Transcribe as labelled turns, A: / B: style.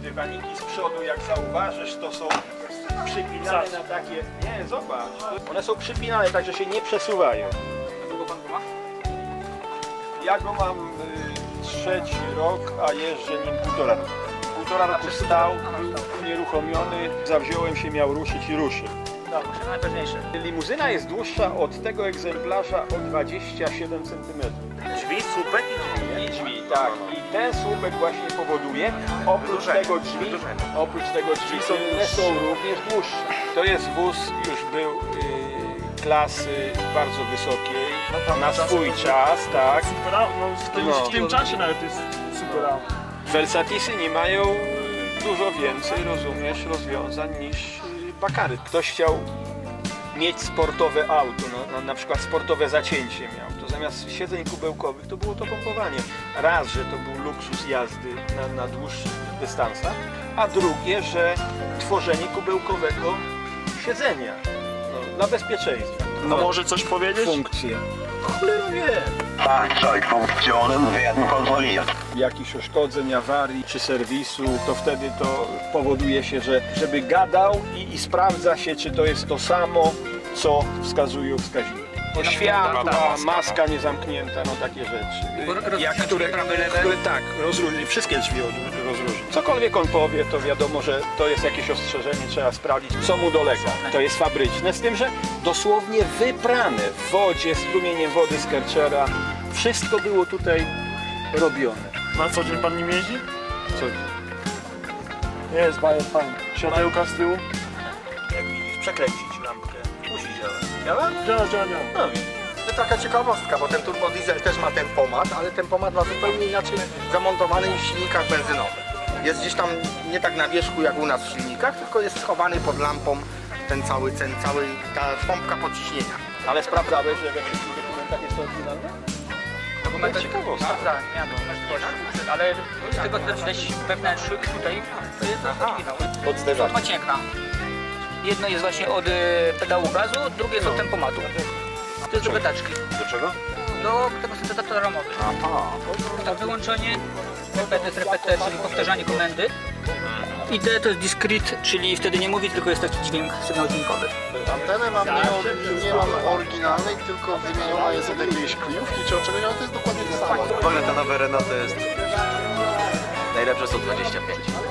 A: dywaniki z przodu, jak zauważysz, to są przypinane na takie... Nie, zobacz. One są przypinane, tak że się nie przesuwają.
B: Długo pan go ma?
A: Ja go mam trzeci rok, a jeżdżę nim półtora roku. Półtora roku stał, był unieruchomiony, zawziąłem się, miał ruszyć i ruszył.
B: Dobrze, to najważniejsze.
A: Limuzyna jest dłuższa od tego egzemplarza o 27 cm.
C: Drzwi, słupek
A: I drzwi, tak. I ten słupek właśnie powoduje, oprócz tego drzwi tylne są również dłuższe. To jest wóz, już był klasy bardzo wysokiej, na swój czas, tak.
C: Super, no w tym czasie nawet jest super.
A: Velsatisy nie mają dużo więcej, rozumiesz, rozwiązań niż Bakary. Ktoś chciał mieć sportowe auto, na przykład sportowe zacięcie miał, to zamiast siedzeń kubełkowych to było to pompowanie. Raz, że to był luksus jazdy na dłuższych dystansach, a drugie, że tworzenie kubełkowego siedzenia dla bezpieczeństwa.
C: No może coś powiedzieć?
A: Funkcje. Cholera wie.
D: Fahrzeugfunktionen werden kontrolliert.
A: Jakichś uszkodzeń, awarii czy serwisu, to wtedy to powoduje się, żeby gadał i sprawdza się, czy to jest to samo, co wskazują wskaźniki. Światła, maska niezamknięta, no takie rzeczy. Tak, rozróżni, wszystkie drzwi rozróżni. Cokolwiek on powie, to wiadomo, że to jest jakieś ostrzeżenie, trzeba sprawdzić, co mu dolega. To jest fabryczne, z tym, że dosłownie wyprane w wodzie, strumieniem wody z Kerchera. Wszystko było tutaj robione.
C: Na co dzień pan nim jeździ?
A: Co?
C: Jest bajer fajny. Światełka z tyłu?
E: Jak widzisz, przekręcić lampkę. Musi działać. Działa?
C: Działa.
E: No widzisz. To taka ciekawostka, bo ten turbodiesel też ma ten pomad, ale ten pomad ma zupełnie inaczej zamontowany niż w silnikach benzynowych. Jest gdzieś tam nie tak na wierzchu jak u nas w silnikach, tylko jest schowany pod lampą ta pompka podciśnienia.
A: Ale sprawdzałeś, że we wszystkich dokumentach jest to oryginalne?
B: Dokumenty sprawdzałem, miałem możliwość, ale z tego co widać wewnętrznych tutaj, to jest oryginał.
A: Podsterzanie.
B: Maciekna. Jedno jest właśnie od pedału gazu, drugie jest od tempomatu. To jest do betaczki.
E: Do czego?
B: Do tego syntezatora ramowego. To wyłączenie, repeter, czyli powtarzanie komendy. I D to jest discrete, czyli wtedy nie mówi, tylko jest taki dźwięk, sygnał dźwiękowy.
F: Antenę mam nie mam oryginalnej, tylko wymieniona jest od jakiejś kryjówki czy od czegoś, ale to jest dokładnie to samo.
E: W ogóle ta nowa Renault to jest najlepsze 125.